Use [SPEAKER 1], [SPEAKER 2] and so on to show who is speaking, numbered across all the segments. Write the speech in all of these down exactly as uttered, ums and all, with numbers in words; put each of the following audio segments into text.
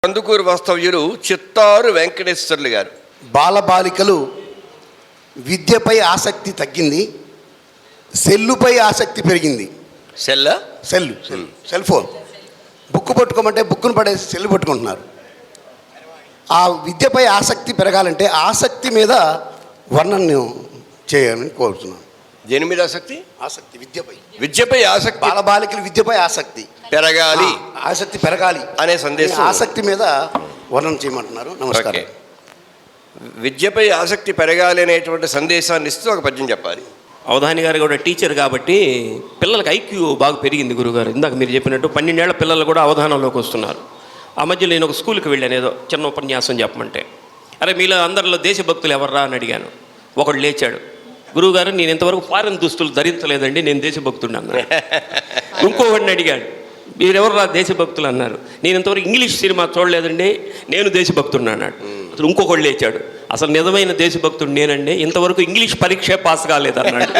[SPEAKER 1] కందుకూరు వాస్తవ్యులు చిత్తారు వెంకటేశ్వర్లు గారు.
[SPEAKER 2] బాలబాలికలు విద్యపై ఆసక్తి తగ్గింది, సెల్లుపై ఆసక్తి పెరిగింది.
[SPEAKER 1] Cell
[SPEAKER 2] cell cell cell phone book పట్టుకోమంటే బుక్కును పడేసి సెల్లు పట్టుకుంటున్నారు. ఆ విద్యపై ఆసక్తి పెరగాలంటే ఆసక్తి మీద వర్ణన చేయాలని కోరుతున్నాను.
[SPEAKER 1] దేని మీద ఆసక్తి?
[SPEAKER 2] ఆసక్తి విద్యపై
[SPEAKER 1] విద్యపై ఆసక్తి,
[SPEAKER 2] బాలబాలికలు విద్యపై ఆసక్తి
[SPEAKER 1] పెరగాలి,
[SPEAKER 2] ఆసక్తి పెరగాలి
[SPEAKER 1] అనే సందేశం.
[SPEAKER 2] ఆసక్తి మీద వర్ణన చేయమంటున్నారు. నమస్కారం.
[SPEAKER 1] విద్యపై ఆసక్తి పెరగాలి అనేటువంటి సందేశాన్ని ఇస్తూ ఒక పద్యం చెప్పాలి.
[SPEAKER 3] అవధాని గారు కూడా టీచర్ కాబట్టి పిల్లలకి ఐక్యూ బాగా పెరిగింది గురుగారు. ఇందాక మీరు చెప్పినట్టు పన్నెండేళ్ల పిల్లలు కూడా అవధానంలోకి వస్తున్నారు. ఆ మధ్య నేను ఒక స్కూల్కి వెళ్ళాను, ఏదో చిన్న ఉపన్యాసం చెప్పమంటే, అరే మీలో అందరిలో దేశభక్తులు ఎవర్రా అని అడిగాను. ఒకడు లేచాడు, గురువుగారు నేను ఇంతవరకు ఫారెన్ దుస్తులు ధరించలేదండి, నేను దేశభక్తుడిని అన్నాను. ఇంకోవాడిని అడిగాడు, మీరెవర్రా దేశభక్తులు అన్నారు. నేను ఇంతవరకు ఇంగ్లీష్ సినిమా చూడలేదండి, నేను దేశభక్తుడిని అన్నాడు. అసలు ఇంకొకళ్ళు లేచాడు, అసలు నిజమైన దేశభక్తుడు నేనండి, ఇంతవరకు ఇంగ్లీష్ పరీక్ష పాస్ కాలేదన్నాడు.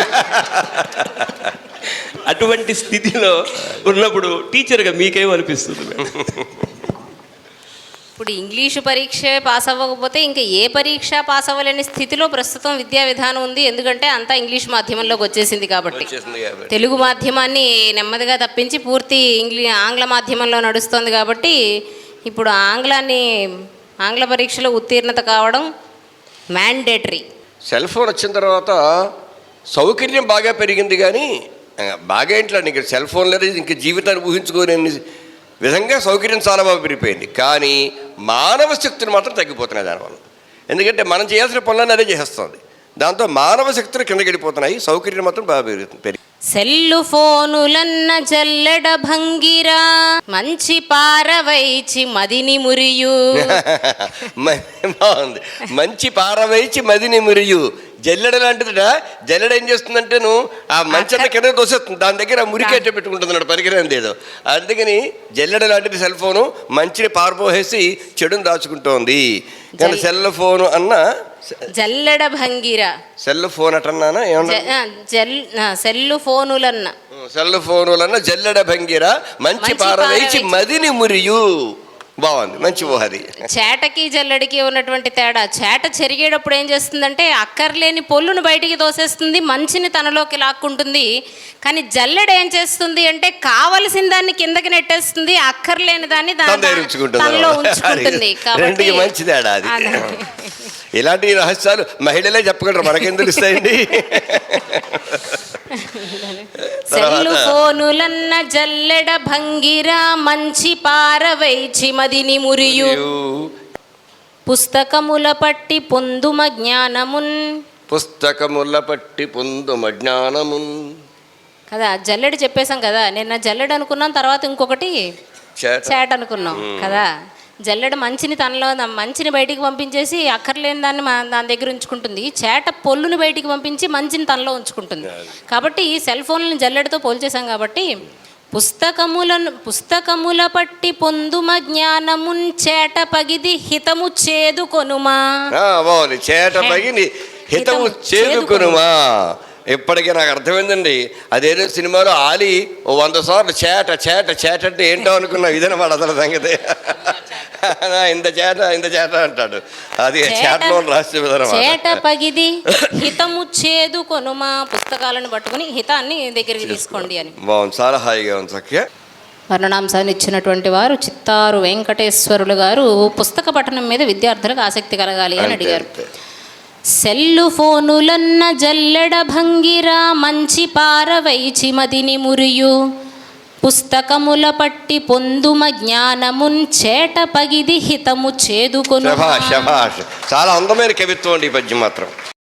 [SPEAKER 3] అటువంటి స్థితిలో ఉన్నప్పుడు టీచర్గా మీకేమనిపిస్తుంది?
[SPEAKER 4] ఇప్పుడు ఇంగ్లీషు పరీక్ష పాస్ అవ్వకపోతే ఇంకా ఏ పరీక్ష పాస్ అవ్వలేని స్థితిలో ప్రస్తుతం విద్యా విధానం ఉంది. ఎందుకంటే అంతా ఇంగ్లీష్ మాధ్యమంలోకి వచ్చేసింది కాబట్టి. తెలుగు మాధ్యమాన్ని నెమ్మదిగా తప్పించి పూర్తి ఇంగ్లీ ఆంగ్ల మాధ్యమంలో నడుస్తుంది కాబట్టి ఇప్పుడు ఆంగ్లాన్ని ఆంగ్ల పరీక్షలో ఉత్తీర్ణత కావడం మ్యాండేటరీ.
[SPEAKER 1] సెల్ ఫోన్ వచ్చిన తర్వాత సౌకర్యం బాగా పెరిగింది, కానీ బాగా ఏంట్లో నీకు సెల్ ఫోన్ లేదు, ఇంక జీవితాన్ని ఊహించుకోలేని విధంగా సౌకర్యం చాలా బాగా పెరిగిపోయింది. కానీ మానవ శక్తులు మాత్రం తగ్గిపోతున్నాయి దానివల్ల. ఎందుకంటే మనం చేయాల్సిన పనులన్నీ అదే చేస్తుంది, దాంతో మానవ శక్తులు కిందకి వెళ్ళిపోతున్నాయి, సౌకర్యం మాత్రం బాగా పెరుగుతుంది.
[SPEAKER 4] సెల్లు ఫోనులన్న జల్లెడ భంగిరా మంచి పారవైచి మదిని మురియు.
[SPEAKER 1] బాగుంది, మంచి పారవైచి మదిని మురియు. జల్లెడ లాంటిదిట. జల్లెడ ఏం చేస్తుందంటే నువ్వు ఆ మంచన్న కింద దోసేస్తుంది, దాని దగ్గర మురికేట పెట్టుకుంటుంది పరికరం ఏదో. అందుకని జల్లెడ లాంటిది సెల్ ఫోను, మంచిని పారపోసేసి చెడుని దాచుకుంటోంది. కానీ సెల్ ఫోను అన్న
[SPEAKER 4] జల్లెడ భంగిరా,
[SPEAKER 1] సెల్ ఫోన్ అటన్నానా ఏమన్నా,
[SPEAKER 4] సెల్లు ఫోనులన్న
[SPEAKER 1] సెల్ ఫోనులన్న జల్లెడ భంగిరా మంచి పారవేచి మదిని మురియు. బాగుంది, మంచి ఊహది.
[SPEAKER 4] చేటకి జల్లెడికి ఉన్నటువంటి తేడా, చేట చెరిగేటప్పుడు ఏం చేస్తుందంటే అక్కర్లేని పొల్లును బయటికి తోసేస్తుంది, మంచిని తనలోకి లాక్కుంటుంది. కానీ జల్లెడ ఏం చేస్తుంది అంటే కావలసిన దాన్ని కిందకి నెట్టేస్తుంది, అక్కర్లేని దాన్ని తనలో ఉంచుకుంటుంది. కాబట్టి
[SPEAKER 1] మంచి తేడా అది. ఇలాంటి రహస్యాలు మహిళలే చెప్పగలరు, మనకేం తెలుస్తాయండి.
[SPEAKER 4] సెల్లు ఫోనులన్న జల్లెడ భంగిరా మంచి పారవైచి మదిని మురియు. పుస్తకముల పట్టి పొందుమ జ్ఞానమున్,
[SPEAKER 1] పుస్తకముల పట్టి పొందుమ జ్ఞానమున్
[SPEAKER 4] కదా. జల్లెడ చెప్పేశాం కదా, నిన్న జల్లెడ అనుకున్నాం, తర్వాత ఇంకొకటి చేట అనుకున్నాం కదా. జల్లెడ మంచిని తనలో మంచిని బయటికి పంపించేసి అక్కర్లేని దాన్ని దాని దగ్గర ఉంచుకుంటుంది, చేట పొల్లుని బయటికి పంపించి మంచిని తనలో ఉంచుకుంటుంది. కాబట్టి ఈ సెల్ ఫోన్లను జల్లెడతో పోల్చేశాం కాబట్టి పుస్తకములను పుస్తకముల పట్టి పొందుమ జ్ఞానమున్ చేట పగిది హితము చేదుకొనుమా.
[SPEAKER 1] చేట పగిది హితము చేదుకొనుమా. ఇప్పటికీ నాకు అర్థమైందండి. అదేదో సినిమాలో ఆలి ఓ వంద సార్లు చేట చేట చేట అంటే ఏంటో అనుకున్నా, ఇదనమాట అసలు సంగతి. ఇంత చేట ఇంత చేట అంటాడు, అది చేటలో రాసే విధానం.
[SPEAKER 4] చేట పగిది హితము చేదు కొనుమా, పుస్తకాలను పట్టుకుని హితాన్ని దగ్గరికి తీసుకోండి అని.
[SPEAKER 1] బాగుంది, చాలా హాయిగా ఉంది. చక్కగా
[SPEAKER 4] వర్ణనాంశాన్ని ఇచ్చినటువంటి వారు చిత్తారు వెంకటేశ్వరులు గారు. పుస్తక పఠనం మీద విద్యార్థులకు ఆసక్తి కలగాలి అని అడిగారు. సెల్లు ఫోనులన్న జల్లెడ భంగిరా మంచి పారవైచి మదిని మురియు. పుస్తకముల పట్టి పొందుమ జ్ఞానమున్ చేట పగిది హితము చేదుకొను.
[SPEAKER 1] చాలా అందమైన కవిత్వం అండి ఈ పద్యం మాత్రం.